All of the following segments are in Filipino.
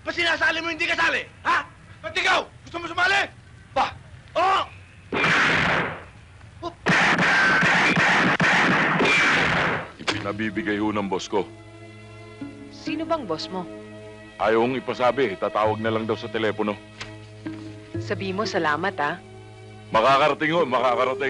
Pa sinasali mo hindi kasali? Ha? Ba't ikaw? Gusto mo sumali? Ba? Oo! Ipinabibigay ho ng boss ko. Sino bang boss mo? Ayaw kong ipasabi, tatawag na lang daw sa telepono. Sabi mo salamat, ha? Makakarating ho, makakarating.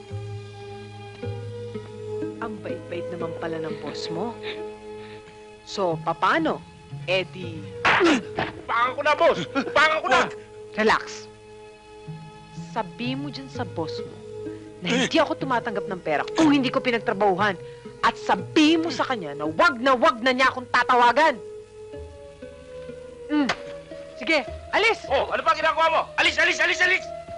Ang bait-bait naman pala ng boss mo. So, paano? Eddie... Upangan ko na, boss! Upangan ko na! Relax. Sabi mo dyan sa boss mo na hindi ako tumatanggap ng pera kung hindi ko pinagtrabahuhan. At sabi mo sa kanya na wag na niya akong tatawagan. Sige, alis! Oh, ano pa ginagawa mo? Alis, alis, alis, alis!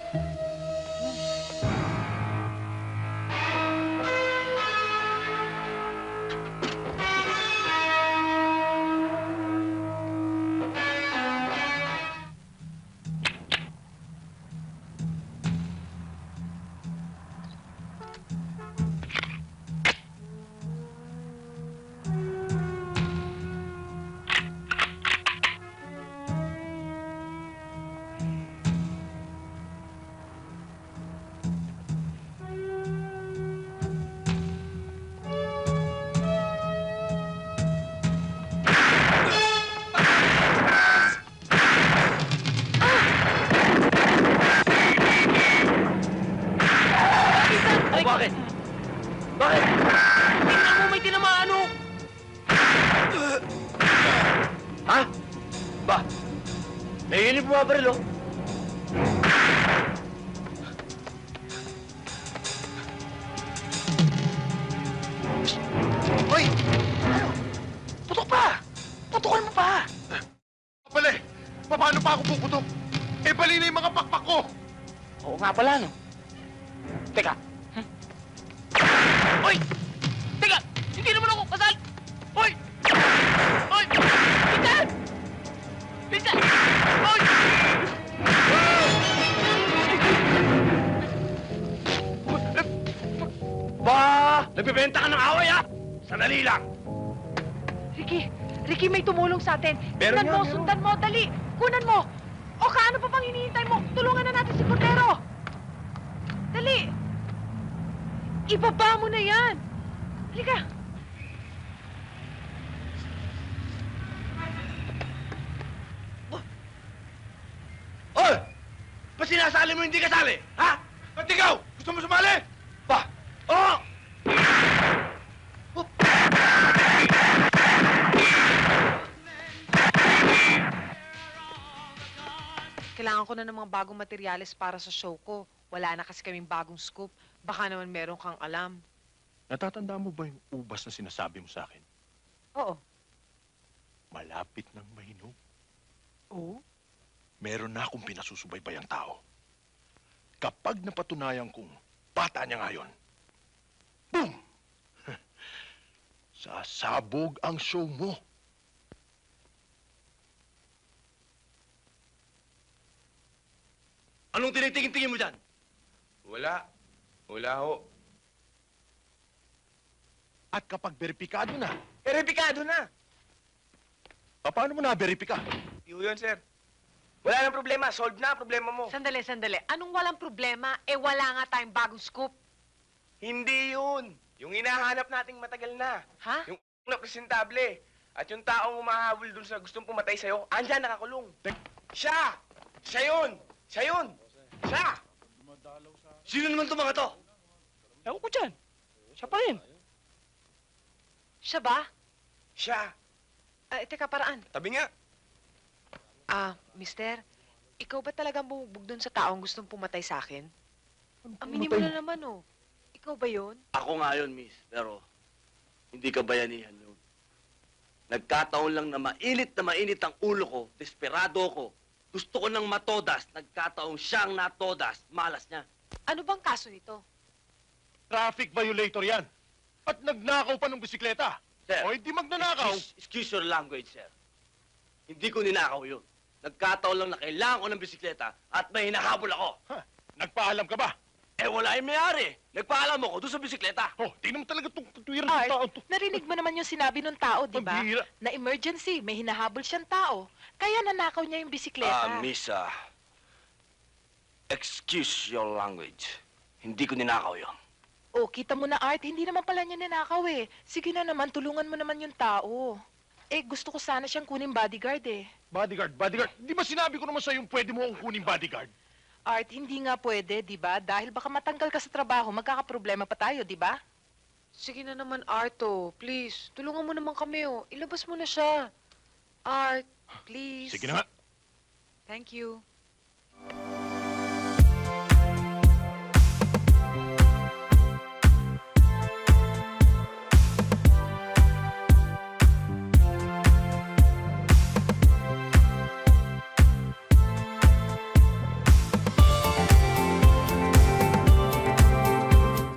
Bakit? Bakit? Tingnan mo, may tinamaan, oh! Ha? Ba? May yun yung bumabaril, oh. Hoy! Ano? Putok pa! Putokan mo pa! Pala eh, paano pa ako puputok? Eh, bali na yung mga pakpak ko! Oo nga pala, no? Teka. Hoy! Teka! Hindi naman ako kasal! Hoy! Hoy! Pinsan! Pinsan! Hoy! Ba! Nagbibenta ka ng away, ha? Sandali lang! Ricky, may tumulong sa atin. Meron Sundan mo, yan, sundan mo, dali! Kunan mo! O kaano pa bang hinihintay mo? Tulungan na natin si Cordero! Dali! Ibaba mo na yan! Halika! Hoy! Pa sinasali mo hindi kasali? Ha? Ba't ikaw? Gusto mo sumali? Ba? Oo! Kailangan ko na ng mga bagong materyales para sa show ko. Wala na kasi kaming bagong scoop. Baka naman meron kang alam. Natatanda mo ba yung ubas na sinasabi mo sa akin? Oo. Malapit ng mahinog. Oo? Meron na akong pinasusubaybayang tao. Kapag napatunayan kong bata niya ngayon, boom! Sasabog ang show mo. Anong tinitingin-tingin mo dyan? Wala. Wala ho. At kapag beripikado na, Veripikado na. paano mo na-veripika? Iyo yun, sir. Wala nang problema. Solve na ang problema mo. Sandali. Anong walang problema? Eh, wala nga tayong bagong scoop. Hindi yun. Yung hinahanap nating matagal na. Ha? Yung na presentable. At yung taong umahabol dun sa gustong pumatay sa'yo, andyan nakakulong. Siya! Siya yun! Siya yun! Siya! Sino naman itong mga to? Ewan ko dyan. Siya pa rin. Siya ba? Siya. Teka, paraan. Tabi nga. Mister, ikaw ba talagang bumugbog dun sa taong gustong pumatay sa akin? Aminin mo na naman, oh. Ikaw ba yun? Ako nga yun, miss. Pero, hindi ka bayanihan yun. Nagkataon lang na mainit ang ulo ko, desperado ko. Gusto ko nang matodas, nagkataong siyang natodas, malas niya. Ano bang kaso nito? Traffic violator yan. At nagnakaw pa ng bisikleta. Sir, O hindi magnanakaw. excuse your language, sir. Hindi ko ninakaw yun. Nagkataon lang na kailangan ko ng bisikleta at may hinahabol ako. Ha, nagpaalam ka ba? Eh, wala yung may-ari. Nagpaalam ako doon sa bisikleta. Oh, tingnan mo talaga itong katwiran ng Art, tao to. narinig mo naman yung sinabi ng tao, di ba? Pambihira. Na emergency, may hinahabol siyang tao. Kaya nanakaw niya yung bisikleta. Misa, excuse your language. Hindi ko ninakaw yon. Oh, kita mo na, Art, hindi naman pala niya nanakaw eh. Sige na naman, tulungan mo naman yung tao. Eh, gusto ko sana siyang kunin bodyguard eh. Bodyguard. Di ba sinabi ko naman sa'yo pwede mo akong kuning bodyguard? Art, hindi nga pwede, di ba? Dahil baka matanggal ka sa trabaho, magkakaproblema pa tayo, di ba? Sige na naman, Arto. Please, tulungan mo naman kami, oh. Ilabas mo na siya. Art, please. Sige na nga. Thank you.